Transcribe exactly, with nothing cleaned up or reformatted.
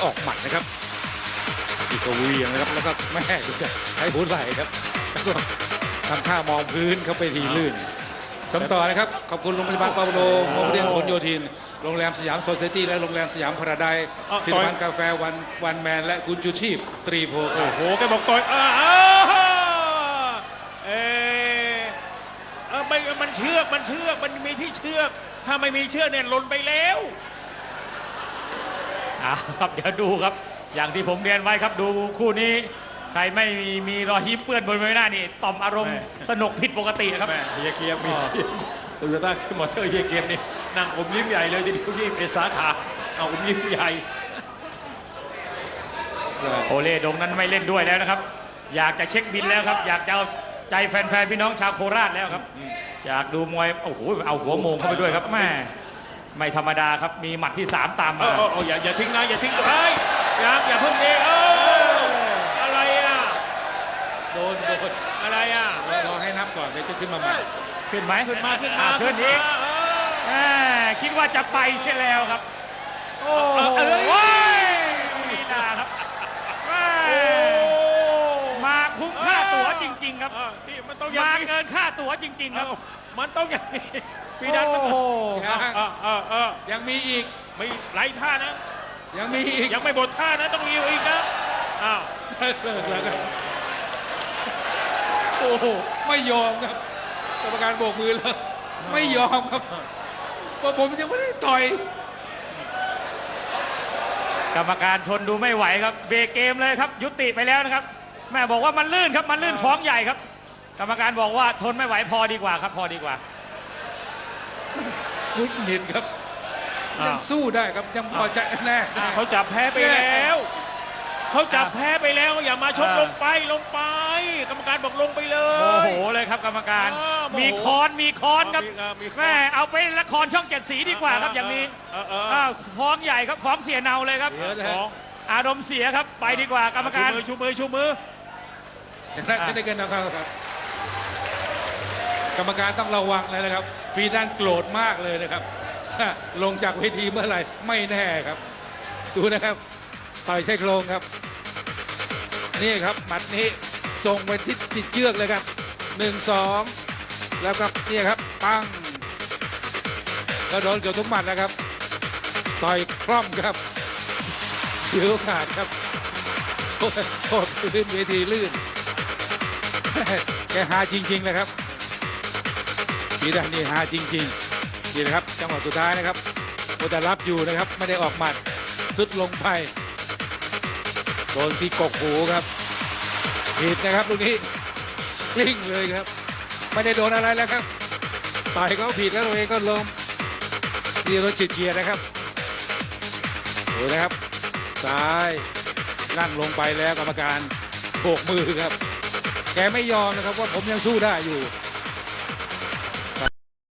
ออกหมัดนะครับอีกกวีอย่างนะครับแล้วก็แม่ดูจะใช้หัวไหล่ครับแล้วก็ทำท่ามองพื้นเข้าไปทีลื่นชมต่อนะครับขอบคุณโรงพยาบาลเปาโลโรงเรียนพหลโยธินโรงแรมสยามโซเซตี้และโรงแรมสยามพาราไดซ์ผลิตภัณฑ์กาแฟวันวันแมนและคุณชูชีพตรีโพโอ้โหโอ้แกบอกต่อยอ่าเออไม่มันเชือกมันเชือกมันมีที่เชือกถ้าไม่มีเชือกเนี่ยหล่นไปแล้วครับเดี๋ยวดูครับอย่างที่ผมเรียนไว้ครับดูคู่นี้ใครไม่มีมีรอยยิ้มเปื้อนบนใบหน้านี่ต่อมอารมณ์สนุกผิดปกตินะครับเฮียเกียมมีโตโยต้าขึ้นมอเตอร์เฮียเกียมนี่นั่งอมยิ้มใหญ่เลยทีเดียวยิ้มเป็นสาขาเอาอมยิ้มใหญ่โอเล่ดงนั้นไม่เล่นด้วยแล้วนะครับอยากจะเช็คบินแล้วครับอยากจะเอาใจแฟนๆพี่น้องชาวโคราชแล้วครับอยากดูมวยโอ้โหเอาหัวโมงเข้าไปด้วยครับแม่ไม่ธรรมดาครับมีหมัดที่สามตามมาโอ้อย่าอย่าทิ้งนะอย่าทิ้งเฮ้ยอย่าอย่าเพิ่งเองเอออะไรอ่ะโดนโดนอะไรอ่ะรอให้นับก่อนเดี๋ยวจะขึ้นมาใหม่ขึ้นไหมขึ้นมาขึ้นมาขึ้นอีกคิดว่าจะไปใช่แล้วครับโอ้โหนี่นาครับมาคุ้มค่าตั๋วจริงๆครับมันต้องมาเกินค่าตั๋วจริงๆครับมันต้องอย่างนี้พี่ดันมันยังมีอีกไม่ไร้ท่านะยังมีอีกยังไม่หมดท่านะต้องมีอีกนะอ้าวเลิกแล้วกันโอ้โหไม่ยอมครับกรรมการโบกมือแล้วไม่ยอมครับเพราะผมยังไม่ได้ต่อยกรรมการทนดูไม่ไหวครับเบรกเกมเลยครับยุติไปแล้วนะครับแม่บอกว่ามันลื่นครับมันลื่นฟ้องใหญ่ครับกรรมการบอกว่าทนไม่ไหวพอดีกว่าครับพอดีกว่ามุดหงิดครับยังสู้ได้ครับยังพอใจแน่เขาจับแพ้ไปแล้วเขาจับแพ้ไปแล้วอย่ามาชกลงไปลงไปกรรมการบอกลงไปเลยโอ้โหเลยครับกรรมการมีคอนมีคอนครับแม่เอาไปละครช่องเจ็ดสีดีกว่าครับอย่างนี้ฟ้องใหญ่ครับฟ้องเสียเนาเลยครับอารมณ์เสียครับไปดีกว่ากรรมการชูมือชูมืออย่างนั้นไม่ได้เกินนะครับกรรมการต้องระวังเลยนะครับฟรีดันโกรธมากเลยนะครับลงจากเวทีเมื่อไหร่ไม่แน่ครับดูนะครับต่อยใช้โครงครับนี่ครับหมัดนี้ส่งไปที่ติดเชือกเลยครับหนึ่งสองแล้วครับนี่ครับปังก็โดนเกือบทุกหมัดนะครับต่อยคล่อมครับเสียโอกาสครับโคตรลื่นเวทีลื่นแกหาจริงๆนะครับปีดันนี่หาจริงๆนี่นะครับจังหวะสุดท้ายนะครับโอแต่รับอยู่นะครับไม่ได้ออกหมัดสุดลงไปโดนที่กกหูครับผิดนะครับลูกนี้กลิ้งเลยครับไม่ได้โดนอะไรแล้วครับต่อยเขาผิดแล้วตัวเองก็ล้มดีรถเฉียดๆนะครับดูนะครับซ้ายนั่งลงไปแล้วกรรมการโบกมือครับแกไม่ยอมนะครับว่าผมยังสู้ได้อยู่